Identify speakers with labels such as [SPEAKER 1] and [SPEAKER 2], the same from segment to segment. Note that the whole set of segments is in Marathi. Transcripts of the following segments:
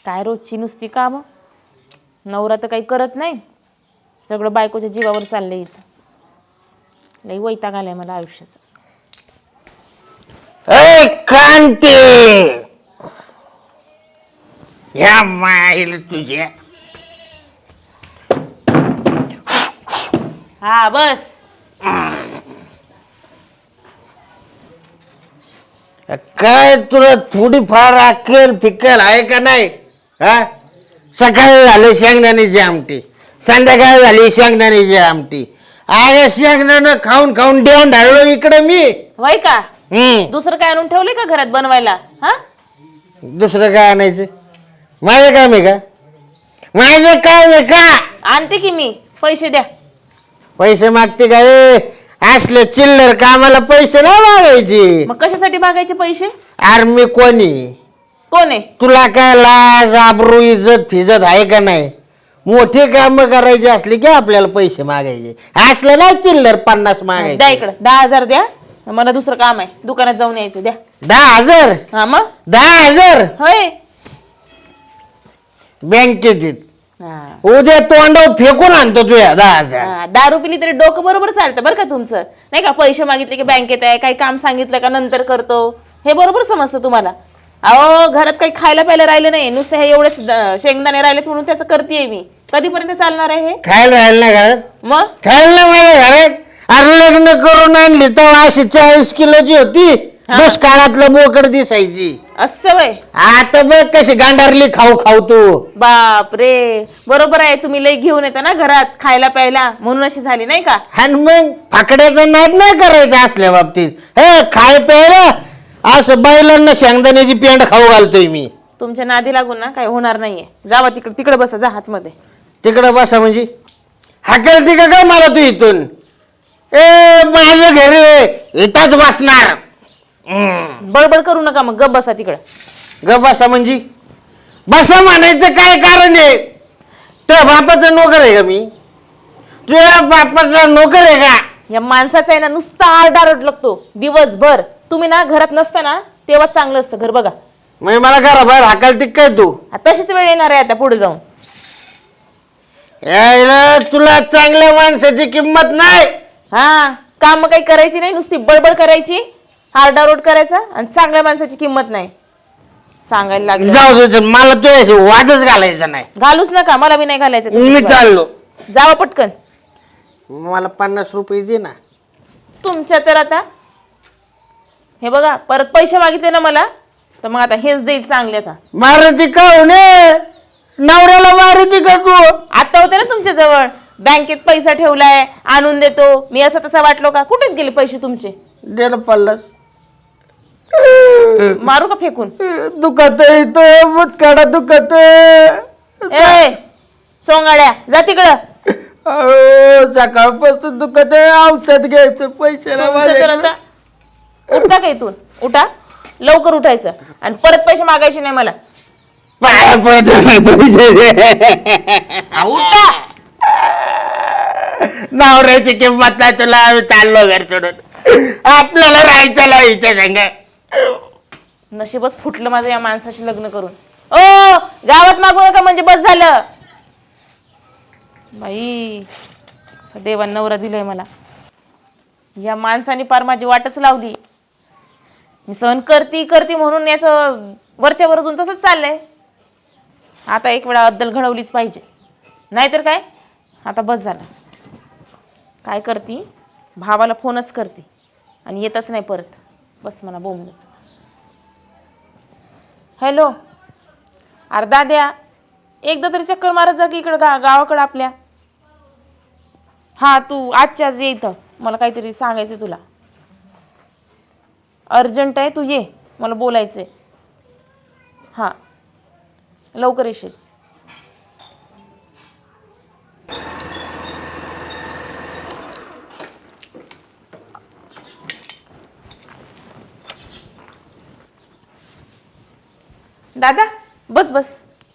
[SPEAKER 1] काय रोजची नुसती काम, नवरा तर काही करत नाही, सगळं बायकोच्या जीवावर चाललंय इथं. लई वैताग आलाय मला आयुष्याचा.
[SPEAKER 2] ए कांते, या माईल तुझ्या.
[SPEAKER 1] हा बस.
[SPEAKER 2] काय तुला थोडीफार अक्कल फिक्कल आहे का नाही? हा, सकाळी झाली शेंगदाण्याची आमटी, संध्याकाळी झाली शेंगदाण्याची आमटी. अरे शेंगदाणं खाऊन खाऊन देऊन ढाळलो इकडे मी.
[SPEAKER 1] वय का दुसरं काय आणून ठेवलंय का घरात बनवायला? हा,
[SPEAKER 2] दुसरं काय आणायचं? माझं काम आहे का? माझं काम आहे का?
[SPEAKER 1] आणते की मी, पैसे द्या.
[SPEAKER 2] पैसे मागते काय? असले चिल्लर कामाला पैसे नाही मागायचे.
[SPEAKER 1] मग कशासाठी मागायचे पैसे?
[SPEAKER 2] अरे मी कोणी?
[SPEAKER 1] कोण आहे?
[SPEAKER 2] तुला काय लाज आबरू इज्जत फिजत आहे का नाही? मोठी काम करायची असली की आपल्याला पैसे मागायचे, असलं नाही चिल्लर 50
[SPEAKER 1] द्या
[SPEAKER 2] मागायचे.
[SPEAKER 1] इकडं 10,000 द्या, मला दुसरं काम आहे, दुकानात जाऊन यायचं. द्या
[SPEAKER 2] 10,000.
[SPEAKER 1] हा मग
[SPEAKER 2] 10,000
[SPEAKER 1] होय.
[SPEAKER 2] बँकेत येत.
[SPEAKER 1] हा.
[SPEAKER 2] उद्या तोंडावर फेकून आणतो तुया 10,000.
[SPEAKER 1] हा, दारू पिली तरी डोकं बरोबर चालतं बरं का तुमचं, नाही का? पैसे मागितले की बँकेत आहे, काही काम सांगितलं का नंतर करतो, हे बरोबर समजतं तुम्हाला. अहो घरात काही खायला प्यायला राहिलं नाही, नुसतं हे एवढेच शेंगदाणे राहिलेत म्हणून त्याचं करतेय मी. कधीपर्यंत चालणार आहे हे?
[SPEAKER 2] खायला राहिलं ना घरात?
[SPEAKER 1] मग
[SPEAKER 2] खायला ना माझ्या घरात. अरे लग्न करून आणली तर अशी 40 किलोची होती, दुष्काळातलं बोकड दिसायची.
[SPEAKER 1] असं वय.
[SPEAKER 2] आता बघ कशी गांडारली खाऊ खाऊ तू.
[SPEAKER 1] बाप रे, बरोबर आहे, तुम्ही लई घेऊन येता ना घरात खायला प्यायला, म्हणून अशी झाली नाही का?
[SPEAKER 2] आणि मग फाकड्याचा नाद नाही करायचा असल्या बाबतीत. हे खाय प्यायला असं बैलांना शेंगदाण्याची पेंड खाऊ घालतोय मी.
[SPEAKER 1] तुमच्या नादी लागून ना काही होणार नाहीये. जावा तिकडे, तिकडे बसा, जा आतमध्ये.
[SPEAKER 2] तिकडं बसा म्हणजे हाकलती का काय मला तू इथून? ए माझ्या घरी इथंच बसणार.
[SPEAKER 1] बडबड करू नका, मग गप बसा तिकडे.
[SPEAKER 2] ग बसा म्हणजे बसा म्हणायचं काय कारण आहे? तुझ्या बापाचा नोकर आहे का मी? तुझ्या बापाचा नोकर आहे का?
[SPEAKER 1] या माणसाचा आहे ना नुसता आरडाओरड लागतो दिवसभर. तुम्ही ना घरात नसता ना तेव्हा चांगलं असतं घर. बघा
[SPEAKER 2] मग मला करा बाहेर हाकलती काय तू?
[SPEAKER 1] तशीच वेळ येणार आहे आता पुढे जाऊन.
[SPEAKER 2] यायला तुला चांगल्या माणसाची किंमत नाही.
[SPEAKER 1] हा, काम काही करायची नाही, नुसती बडबड करायची, आरडाओरड करायचा, आणि चांगल्या माणसाची किंमत नाही सांगायला लागलं.
[SPEAKER 2] जाऊ दे, मला तुझ्याशी वादच घालायचा नाही.
[SPEAKER 1] घालूच नका, मला बी नाही घालायचं.
[SPEAKER 2] मी चाललो.
[SPEAKER 1] जावा पटकन.
[SPEAKER 2] मला 50 रुपये दे ना.
[SPEAKER 1] तुमच्या तर आता हे बघा, परत पैसे मागितले ना मला तर मग आता हेच देईल चांगले. आता
[SPEAKER 2] मारती का होणे? नवऱ्याला मारती का तू?
[SPEAKER 1] आता होते ना तुमच्या जवळ, बँकेत पैसा ठेवलाय, आणून देतो मी, असं तसं वाटलो का? कुठे गेले पैसे तुमचे?
[SPEAKER 2] दे ना 50.
[SPEAKER 1] मारू का फेकून?
[SPEAKER 2] दुखत येतो मुतकाडा दुखत.
[SPEAKER 1] ए सोंगाड्या, जा तिकडं.
[SPEAKER 2] सकाळपासून दुखत आहे, औषध घ्यायचं पैसे
[SPEAKER 1] तुमचं तर आता उठा का इथून? उठा लवकर, उठायचं, आणि परत पैसे मागायचे नाही मला.
[SPEAKER 2] पाया पडतो पैसे.
[SPEAKER 1] उठा.
[SPEAKER 2] नवऱ्याची किंमत नाही तुला. आम्ही चाललो घर सोडून, आपल्याला राहायचं नाही हिच्या संग.
[SPEAKER 1] नशीबच फुटलं माझं या माणसाशी लग्न करून. ओ गावात मागू नका म्हणजे बस झालं. बाई असा देवान नवरा दिलाय मला. या माणसाने पार माझी वाटच लावली. मी सहन करती म्हणून याचं वरच्या वर अजून तसंच चाललंय. आता एक वेळा अद्दल घडवलीच पाहिजे, नाहीतर काय. आता बस झालं. काय करती, भावाला फोनच करते आणि येतच नाही परत. बस म्हणा बोंबल. हॅलो, अर्धा द्या, एकदा तरी चक्कर मारत जा की इकडं गावाकडं आपल्या. हां तू आजच्याच ये इथं, मला काहीतरी सांगायचं तुला. अर्जंट आहे, तू ये, मला बोलायचं आहे. हां लवकर येशील. दादा बस बस.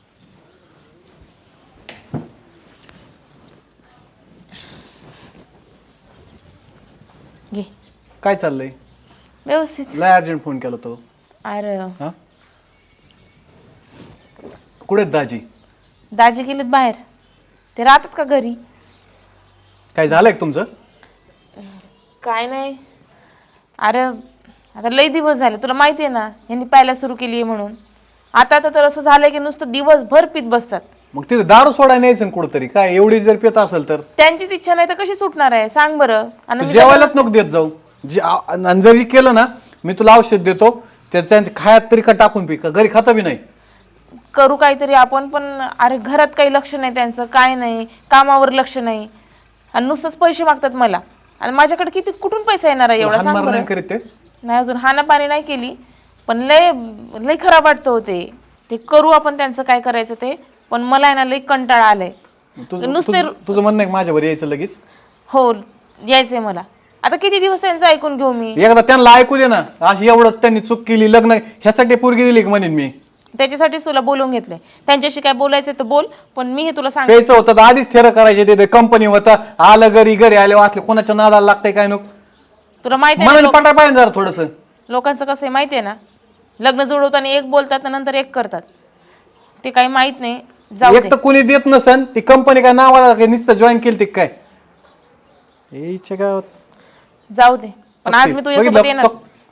[SPEAKER 1] घे.
[SPEAKER 3] काय चाललंय?
[SPEAKER 1] व्यवस्थित.
[SPEAKER 3] लय अर्जंट फोन केला तो.
[SPEAKER 1] अरे
[SPEAKER 3] हा कुठे आहेत दाजी?
[SPEAKER 1] दाजी गेलेत बाहेर. ते राहतात का घरी?
[SPEAKER 3] काय झालंय का तुमचं?
[SPEAKER 1] काय नाही. अरे आता लई दिवस झाले, तुला माहिती आहे ना यांनी प्यायला सुरू केली आहे म्हणून. आता तर असं झालंय की नुसतं दिवसभर पित बसतात.
[SPEAKER 3] मग तिथे दारू सोडायला न्यायचं कुठंतरी. काय एवढी जर पित असेल तर
[SPEAKER 1] त्यांचीच इच्छा नाही तर कशी सुटणार आहे सांग बरं. आणि मी
[SPEAKER 3] जेवायलाच नको देत जाऊ. आणि जरी केलं ना मी तुला औषध देतो त्याच्या खायात तरी का टाकून पी. का घरी खाता बी नाही?
[SPEAKER 1] करू काहीतरी आपण पण. अरे घरात काही लक्ष नाही त्यांचं, काय नाही, कामावर लक्ष नाही आणि नुसतंच पैसे मागतात मला. आणि माझ्याकडे किती कुठून पैसा येणार आहे एवढा सांग
[SPEAKER 3] हाणमार
[SPEAKER 1] बरं.
[SPEAKER 3] नाही करीत ते?
[SPEAKER 1] नाही अजून हानापाणी नाही केली पण लय लय खराब वाटतं होते. ते करू आपण त्यांचं काय करायचं ते. पण मला आहे ना लय कंटाळा आलाय.
[SPEAKER 3] तुझं म्हणणं आहे माझ्यावर यायचं लगेच?
[SPEAKER 1] हो यायचंय मला. आता किती दिवस त्यांचं ऐकून घेऊ मी.
[SPEAKER 3] एकदा त्यांना ऐकू दे ना. अशी एवढं त्यांनी चूक केली, लग्न ह्यासाठी पोरगी दिली की म्हणेन मी.
[SPEAKER 1] त्याच्यासाठीच तुला बोलवून घेतलंय. त्यांच्याशी काय बोलायचं तर बोल, पण मी हे तुला सांग.
[SPEAKER 3] प्यायचं होतं तर आधीच थेर करायचे. ते कंपनी होतं, आलं घरी आले वाचले, कोणाच्या नादाला लागतंय काय नको.
[SPEAKER 1] तुला माहिती
[SPEAKER 3] मला
[SPEAKER 1] आहे
[SPEAKER 3] पटा पाहिजे जरा थोडस.
[SPEAKER 1] लोकांचं कसं आहे माहिती आहे ना, लग्न जुळवताना एक बोलतात नंतर एक करतात. ते काही माहित नाही. जाऊ
[SPEAKER 3] एक
[SPEAKER 1] दे.
[SPEAKER 3] तर कोणी देत नसन ती कंपनी काय नावाला नुसतं जॉईन केली ती काय याच्या गावात.
[SPEAKER 1] जाऊ दे पण आज मी तुझ्यासोबत येणार.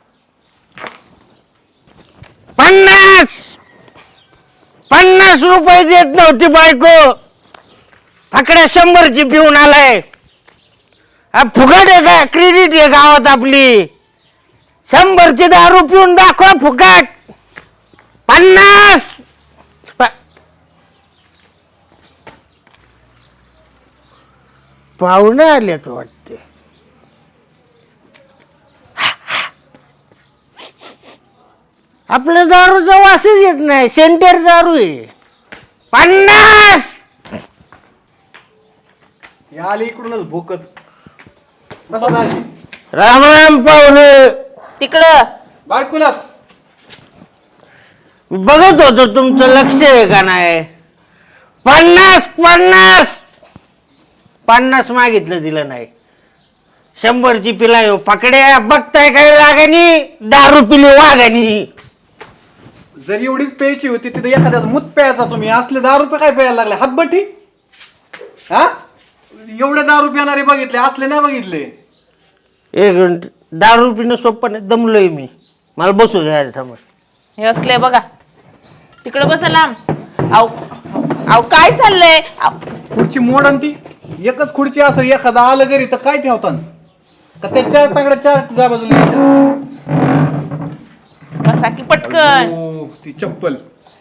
[SPEAKER 2] 50 रुपये देत नव्हती बायको, फकड्या 100ची पिऊन आलाय. हा फुकट आहे का? क्रेडिट आहे गावात आपली. 100ची दारू पिऊन दाखवा फुकट. 50 पाहुणे आलेत वाटते. आपल्या दारूचा वासच येत नाही, सेंटर दारू आहे. 50
[SPEAKER 3] आली इकडूनच भोकत. बसा दाजी.
[SPEAKER 2] राम राम पाहुणे.
[SPEAKER 1] तिकडं
[SPEAKER 3] बायकोलाच
[SPEAKER 2] बघत होतो तुमचं लक्ष आहे का नाही. 50 मागितलं दिलं नाही. 100ची पिलाय हो पकड्या. बघताय काय रागानी दारू पिली वागानी.
[SPEAKER 3] जर एवढीच प्यायची होती तिथे एखाद्या मूत प्यायचा तुम्ही. असले 10 रुपये काय प्यायला लागले हातबट्टी? हा एवढे 10 रुपये येणारे बघितले, असले नाही बघितले.
[SPEAKER 2] एक मिनिट. दारू पिणं सोपं नाही. दमलोय मी. मला बसू द्या समोर.
[SPEAKER 1] हे असले बघा. तिकडं बसा लांब. आव आव काय चाललंय?
[SPEAKER 3] खुर्ची मोड आणि ती एकच खुर्ची असेल, एखादा आलं घरी तर काय ठेवतात का त्याच्या तांगड्या 4 जा बाजूला
[SPEAKER 1] बसा की पटकन.
[SPEAKER 3] ती चप्पल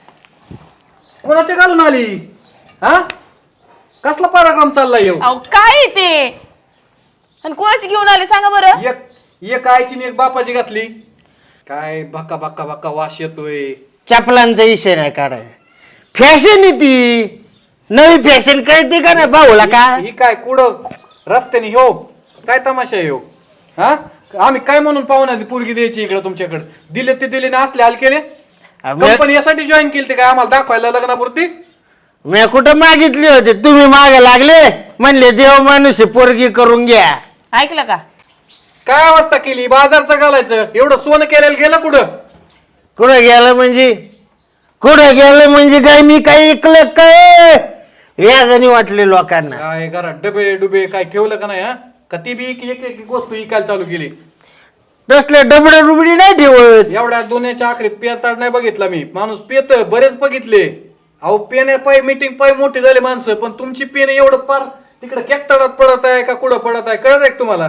[SPEAKER 3] कोणाच्या घालून आली? हा कसला पराक्रम चाललाय येऊ?
[SPEAKER 1] अहो काय आहे ते? आणि कोणाची घेऊन आले सांगा बरं.
[SPEAKER 3] एक आईची आणि एक बापाची घातली. काय भक्का भक्का भक्का वास येतोय.
[SPEAKER 2] चपलांचा विषय नाही काढाय. फॅशन आहे ती. नवी फॅशन कळते का नाही भाऊला का?
[SPEAKER 3] ही काय कुठं रस्त्याने हो काय तमाशा आहे हो? हा आम्ही काय म्हणून पाहुणा पोरगी द्यायची इकडे तुमच्याकडे. दिले ते दिले ना असले हाल केले. कंपनी यासाठी जॉईन केली ते काय आम्हाला दाखवायला लग्नापुरती?
[SPEAKER 2] मी कुठं मागितली होती? तुम्ही मागे लागले म्हणले देव माणूस पोरगी करून घ्या.
[SPEAKER 1] ऐकलं का?
[SPEAKER 3] काय अवस्था केली बाजारचं घालायचं. एवढं सोनं केलेलं गेलं कुठं?
[SPEAKER 2] कुठं गेलं म्हणजे? कुठं गेलं म्हणजे काय? मी काही ऐकलं काय? व्याजाने वाटले लोकांना.
[SPEAKER 3] काय घरात डबे डुबे काय ठेवलं का नाही? हा का ती बी एक एक वस्तू विकायला चालू केली?
[SPEAKER 2] तसले डबडे रुबडी नाही ठेवत.
[SPEAKER 3] एवढ्या दोन्हीच्या आखरीत पेचाड नाही बघितला मी. माणूस पेत बरेच बघितले. अहो पेने पाय मीटिंग पाय मोठी झाले माणसं, पण तुमची पेन एवढं पार तिकडे केकतडात पडत आहे का कुठं पडत आहे कळत आहे का तुम्हाला?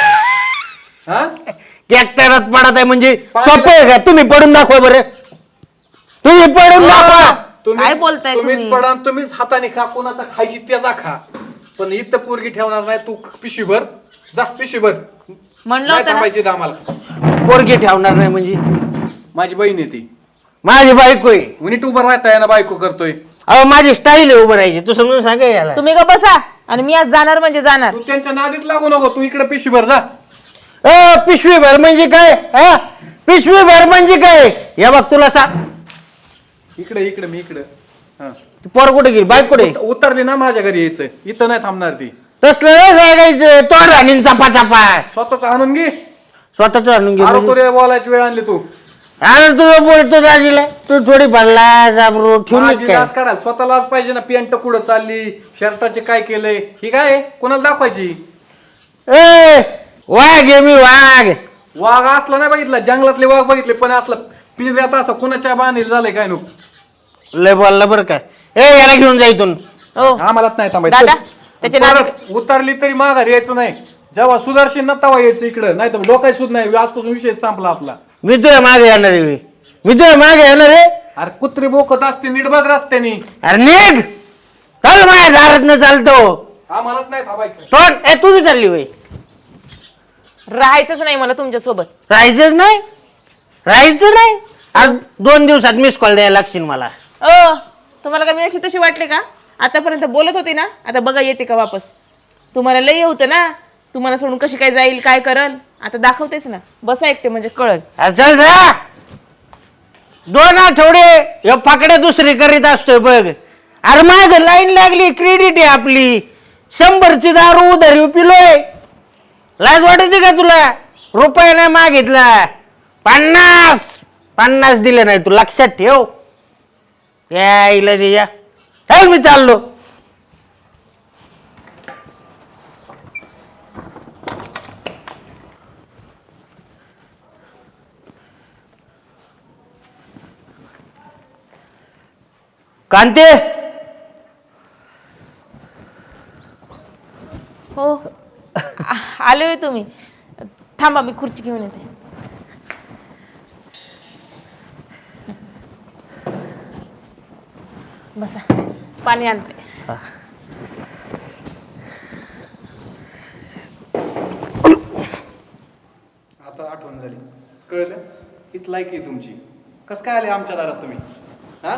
[SPEAKER 3] हा
[SPEAKER 2] ट्रॅक्टरात पडत आहे म्हणजे सोपं आहे का? तुम्ही पडून दाखवा बरं. तुम्ही पडून दाखवा.
[SPEAKER 1] काय बोलताय
[SPEAKER 3] तुम्हीच
[SPEAKER 1] तुम्ही?
[SPEAKER 3] पडा तुम्हीच हाताने खा. कोणाचा खायची त्याचा खा, पण इथं पोरगी ठेवणार नाही. तू पिशवीभर जा, पिशवीभर.
[SPEAKER 1] म्हणलं
[SPEAKER 3] नाही
[SPEAKER 1] होतं ना.
[SPEAKER 3] थांबायची इथं आम्हाला.
[SPEAKER 2] पोरगी ठेवणार नाही म्हणजे?
[SPEAKER 3] माझी बहीण आहे ती.
[SPEAKER 2] माझी बायको आहे.
[SPEAKER 3] नीट उभं राहताय ना बायको करतोय.
[SPEAKER 2] अहो माझी स्टाईल आहे उभं राहायची. तू समजून सांगा याला.
[SPEAKER 1] तुम्ही का बसा आणि मी आज जाणार म्हणजे जाणार.
[SPEAKER 3] तू त्यांच्या नादीत लागू नको. तू इकडे पिशवीभर जा.
[SPEAKER 2] पिशवी भर म्हणजे काय? हा पिशवी भर म्हणजे काय? या बघ तुला सांग.
[SPEAKER 3] इकडे इकडे मी इकडे. हा
[SPEAKER 2] पोर कुठे गेली? बाईक कुठे?
[SPEAKER 3] उतरली ना माझ्या घरी यायचंय. इथं नाही थांबणार ती.
[SPEAKER 2] तसलं नाही सांगायचं. तो राणीन चापा चापा
[SPEAKER 3] स्वतःच आणून घे.
[SPEAKER 2] स्वतःच आणून घे म्हणजे?
[SPEAKER 3] आरोग्य बोलायची वेळ आणली तू.
[SPEAKER 2] अरे तुझं बोलतो दाजीला तू थोडी भरला जाबरू ठेवून
[SPEAKER 3] माझी
[SPEAKER 2] काय
[SPEAKER 3] लाज काढाल स्वतःलाच पाहिजे ना. पॅन्ट कुठं चालली, शर्टाचे काय केलंय, ही काय आहे? कोणाला दाखवायची?
[SPEAKER 2] ए वाघ आहे मी वाघ.
[SPEAKER 3] वाघ असला नाही बघितला, जंगलातले वाघ बघितले, पण असला पिंजऱ्यात असं कुणाच्या बांधील झालंय काय नको.
[SPEAKER 2] लय बोलला बरं का. ए याला घेऊन जा इथून.
[SPEAKER 1] हो
[SPEAKER 3] आम्हालाच नाही
[SPEAKER 1] दादा
[SPEAKER 3] थांबायचं.
[SPEAKER 1] त्याचे
[SPEAKER 3] परत उतरली तरी माघार यायचं नाही. जेव्हा सुदर्शन ना तेव्हा यायचं इकडं, नाही तर डोकाय सुद्धा नाही. आजपासून विषय संपला आपला.
[SPEAKER 2] मी तुझ्या मागे येणार आहे. मी तुझ्या मागे येणार आहे.
[SPEAKER 3] अरे कुत्री बोकत असते, नीट बघ रस्त्यानी.
[SPEAKER 2] अरे निघ चल माझ्या दारात न चालतो.
[SPEAKER 3] आम्हालाच नाही थांबायचं.
[SPEAKER 2] तोंड ए तू बी चालली होय.
[SPEAKER 1] राहायचंच नाही मला तुमच्या सोबत.
[SPEAKER 2] राहायचंच नाही. राहायचं नाही. आज 2 दिवसात मिस कॉल द्यायला लागशील मला.
[SPEAKER 1] तुम्हाला का मी अशी तशी वाटले का? आतापर्यंत बोलत होती ना, आता बघा येते का वापस. तुम्हाला लय होतं ना, तुम्हाला सोडून कशी काय जाईल, काय करल, आता दाखवतेच ना. बसा ऐकते म्हणजे कळल.
[SPEAKER 2] अरे चल जा. 2 आठवडे हे फाकडे दुसरी करीत असतोय बघ. अरे माग लाईन लागली, क्रेडिट आहे आपली. 100ची दारू उधारी पिलोय. लाज वाटते का तुला? रुपये नाही मागितला. 50 दिले नाही तू लक्षात ठेव. यायला दिया चल मी चाललो. कांते
[SPEAKER 1] हो आले होय तुम्ही. थांबा मी खुर्ची घेऊन येते. बसा पाणी आणते.
[SPEAKER 3] आता आठवण झाली, कळलं? हीच लायकी आहे तुमची. कस काय आले आमच्या दारात तुम्ही? हा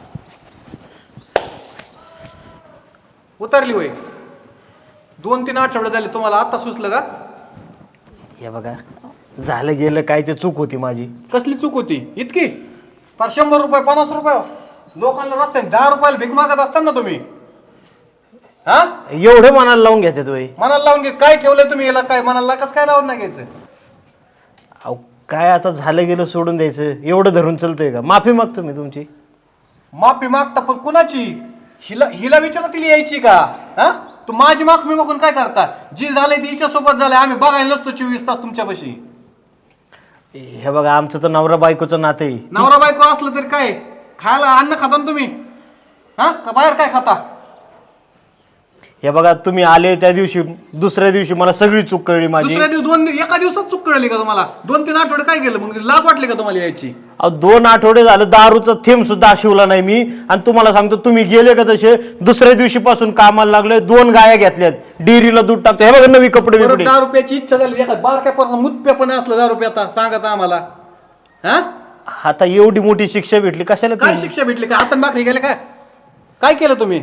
[SPEAKER 3] उतरली होय. 2-3 आठवडे झाले, तुम्हाला आता सुचलं का?
[SPEAKER 4] हे बघा झालं गेलं काय ते चूक होती माझी.
[SPEAKER 3] कसली चूक होती इतकी? फार 100 रुपये 50 रुपये लोकांना रस्त्याने 10 रुपयाला भीक मागत असताना तुम्ही हा
[SPEAKER 4] एवढं मनाला लावून घेतात वय.
[SPEAKER 3] मनाला लावून घे. काय ठेवलंय तुम्ही याला? काय मनाला कसं काय लावून नाही घ्यायचं?
[SPEAKER 4] अहो काय आता झालं गेलं सोडून द्यायचं एवढं धरून चलतंय का? माफी मागतो मी तुमची.
[SPEAKER 3] माफी मागता पण कुणाची? हिला विचारा, तिला यायची का? हा तू माझी माफी मागून काय करता? जी झालंय ती हिच्या सोबत झालंय. आम्ही बघायला नसतो 24 तास तुमच्यापाशी.
[SPEAKER 4] हे बघा आमचं तर नवरा बायकोचं नातं आहे.
[SPEAKER 3] नवरा बायको असलं तरी काय खायला अन्न खाता ना तुम्ही? हा का बाहेर काय खाता?
[SPEAKER 4] हे बघा तुम्ही आले त्या दिवशी दुसऱ्या दिवशी मला सगळी चूक कळली माझी.
[SPEAKER 3] दुसऱ्या दिवस एका दिवसात चूक कळली का तुम्हाला? 2-3 आठवडे काय केलं मग? लाज वाटली का तुम्हाला यायची?
[SPEAKER 4] अहो 2 आठवडे झालं दारूचा थेंब सुद्धा शिवला नाही मी. आणि तुम्हाला सांगतो तुम्ही गेले का तसे दुसऱ्या दिवशी पासून कामाला लागले. 2 गाया घेतल्यात, डेअरीला दूध टाकतो. हे बघा नवी कपडे
[SPEAKER 3] परत
[SPEAKER 4] बिपडे.
[SPEAKER 3] 10 रुपयाची इच्छा झाली एखाद बारक्या पण मुतप्या पण असलं 10 रुपये आता सांगता आम्हाला. हा
[SPEAKER 4] आता एवढी मोठी शिक्षा भेटली कशाला
[SPEAKER 3] काय
[SPEAKER 4] तुम्ही?
[SPEAKER 3] शिक्षा भेटली? काय हातान भाकरी गेले काय? काय केलं तुम्ही?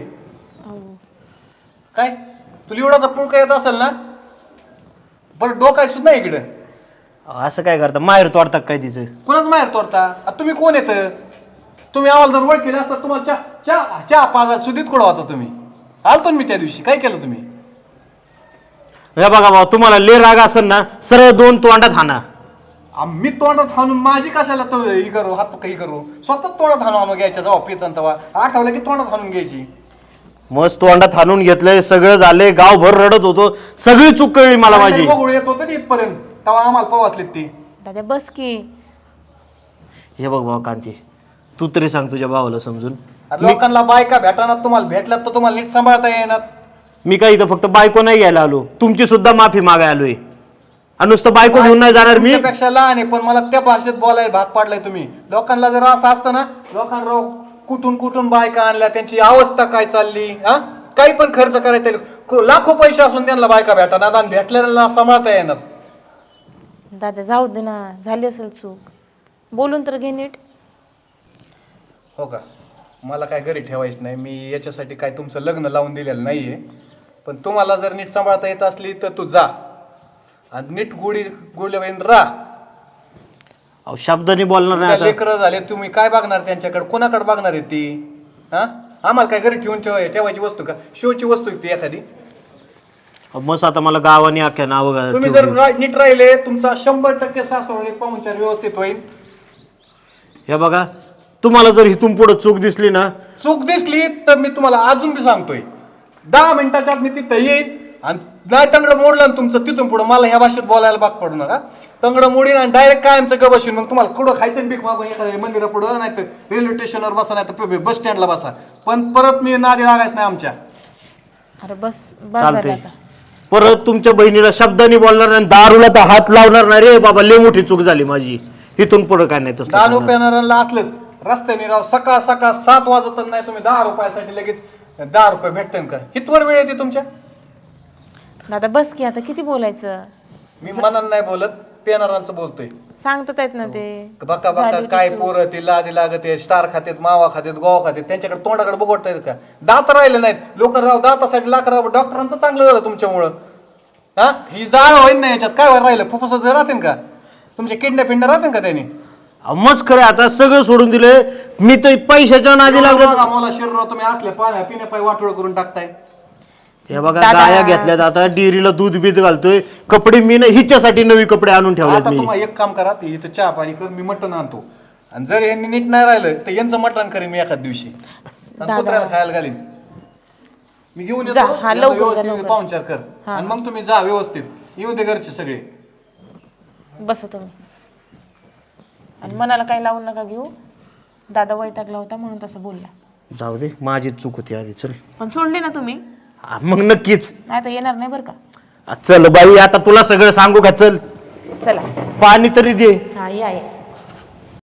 [SPEAKER 3] काय तुला एवढाचा पुळका येत असेल ना? बरं डोकाय सुद्धा इकडं.
[SPEAKER 4] असं काय करता? माहेर तोडता काय तिचं?
[SPEAKER 3] कोणाच माहेर तोडता? आता तुम्ही कोण येत? तुम्ही आम्हाला जर ओळखीला असता तुम्हाला चहा पाजात सुधीत कुठं होता तुम्ही? आलतो मी त्या दिवशी. काय केलं तुम्ही?
[SPEAKER 4] हे बघा भाऊ तुम्हाला ले राग असेल ना सरळ 2 तोंडात हाना.
[SPEAKER 3] मी तोंडात हाणून माझी कशाला तो ही करू, हात काही करू? स्वतः तोंडात हाणून घ्यायच्या जेव्हा पिचान तेव्हा आठवलं की तोंडात हाणून घ्यायची.
[SPEAKER 4] मस्त तोंडात हाणून घेतलंय, सगळं झालंय, गावभर रडत होतो. सगळी चूक कळली मला माझी.
[SPEAKER 3] बघू येत होतं इथपर्यंत तेव्हा आम्हाला पवासलेत ती.
[SPEAKER 1] दादा बस की.
[SPEAKER 4] हे बघ भाऊ कांती तू तरी सांग तुझ्या भावाला समजून.
[SPEAKER 3] अरे लोकांना बायका भेटाना, तुम्हाला भेटल्यात तर तुम्हाला नीट सांभाळता येणार.
[SPEAKER 4] मी काय इथं फक्त बायको नाही घ्यायला आलो, तुमची सुद्धा माफी मागाय आलोय. आणि नुसतं बायको घेऊन नाही जाणार मी.
[SPEAKER 3] पेक्षा लहान आहे पण मला त्या भाषेत बोलायला भाग पाडलाय तुम्ही. लोकांना जर असं असतं ना, लोकांना कुठून कुठून बायका आणल्या, त्यांची अवस्था काय चालली, हा काही पण खर्च करायचा, लाखो पैसे असून त्यांना बायका भेटणार आणि भेटलेल्या सांभाळता येणार.
[SPEAKER 1] दादा जाऊ दे ना, झाली असेल चूक. बोलून तर घे नीट.
[SPEAKER 3] हो का? मला काय घरी ठेवायचं नाही. मी याच्यासाठी काय तुमचं लग्न लावून दिलेलं नाहीये. पण तुम्हाला जर नीट सांभाळता येत असली तर तू जा आणि नीट गोडीवरून राहा.
[SPEAKER 4] अहो शब्दाने बोलणार नाही आता.
[SPEAKER 3] लेकरं झाले, तुम्ही काय बघणार त्यांच्याकडे? कोणाकडे बघणार आहे ती? हा आम्हाला काय घरी ठेवून ठेवायची वस्तू का? शोची वस्तू ती एखादी?
[SPEAKER 4] मस्त आता मला गावाने अख्ख्या नाव
[SPEAKER 3] तुम्ही जर नीट राहिले तुमचा 100% सासू पाहुणचार व्यवस्थित होईल.
[SPEAKER 4] हे बघा, तुम्हाला जर इथून पुढे चूक दिसली ना,
[SPEAKER 3] चूक दिसली तर मी तुम्हाला अजून बी सांगतोय 10 मिनिटाच्या आत मी तिथं येईन आणि नाही तंगडं मोडलं ना तुमचं तिथून पुढं मला ह्या भाषेत बोलायला भाग पडू नका. तंगडं मोडीन आणि डायरेक्ट कायमचं ग बसून मग तुम्हाला कुठं खायचं भीक मागून एखाद्या मंदिरा पुढं नाही तर रेल्वे स्टेशनवर बसा नाही तर बस स्टँडला बसा, पण परत मी नादी लागायच नाही आमच्या.
[SPEAKER 1] अरे बस बस झालं
[SPEAKER 4] चालते.
[SPEAKER 1] आता.
[SPEAKER 4] परत तुमच्या बहिणीला शब्दाने बोलणार नाही, दारूला तर हात लावणार नाही रे बाबा, लय मोठी चूक झाली माझी. इथून पुढे काय नाही तसं
[SPEAKER 3] दारू
[SPEAKER 4] करणार.
[SPEAKER 3] पेणाऱ्यांना असलं रस्त्याने राव सकाळ सकाळ 7 वाजत नाही तुम्ही 10 रुपयासाठी लगेच 10 रुपये भेटते का? हितवर वेळ येते तुमच्या.
[SPEAKER 1] दादा बस की आता किती बोलायचं.
[SPEAKER 3] मी मनानं नाही बोलत, पेणाऱ्यांचं बोलतोय.
[SPEAKER 1] सांगतात आहेत ना ते.
[SPEAKER 3] बका बका
[SPEAKER 1] झाली
[SPEAKER 3] काय
[SPEAKER 1] ती चूक.
[SPEAKER 3] पोरं ते लादी लागत स्टार खातेत, मावा खातेत, गोवा खातेत, त्यांच्याकडे तोंडाकडे बघवता येत का? दात राहिले नाहीत लोक राव, दातासाठी लाख राव. डॉक्टरांचं चांगलं झालं तुमच्यामुळं. हा ही जाळ होईन ना याच्यात काय राहिलं? फुफ्फुसात राहतील का तुमच्या? किडनॅप पिंड राहतील का त्यांनी?
[SPEAKER 4] मस्त खरं आता सगळं सोडून दिले मी, तर पैशाच्या नादी लागलो.
[SPEAKER 3] मला शरीरावर तुम्ही असले पाण्या पिण्यापायी वाटोळ करून टाकताय.
[SPEAKER 4] हे बघा,
[SPEAKER 1] दादा.
[SPEAKER 4] गाया घेतल्यात आता, डेअरीला दूध बीत घालतोय, कपडे मी ना हिच्यासाठी नवी कपडे आणून ठेवलेत
[SPEAKER 3] आता
[SPEAKER 4] मी.
[SPEAKER 3] तुम्हाला एक काम करा, इथं चहा पाणी कर, मी मटण आणतो आणि जर यांनी नीट नाही राहिलं तर यांचं मटण करेन मी एखाद दिवशी आणि कुत्र्याला खायला घालीन. मी घेऊन येतो,
[SPEAKER 1] जा, हा,
[SPEAKER 3] यांना
[SPEAKER 1] लवकर जा,
[SPEAKER 3] व्यवस्थित
[SPEAKER 1] लवकर.
[SPEAKER 3] पाहुणचार कर आणि मग तुम्ही जा व्यवस्थित. येऊ दे घरचे सगळे.
[SPEAKER 1] बसा तुम्ही आणि मनाला काही लावून नका घेऊ. दादा वैतागला होता म्हणून तसं बोलला.
[SPEAKER 4] जाऊ दे, माझी चूक होती आधी. चल
[SPEAKER 1] पण सोडले ना तुम्ही.
[SPEAKER 4] हा, मग नक्कीच.
[SPEAKER 1] नाही तर येणार नाही बरं का.
[SPEAKER 4] चल बाई, आता तुला सगळं सांगू का? चल
[SPEAKER 1] चला
[SPEAKER 4] पाणी तरी दे.
[SPEAKER 1] हा या या.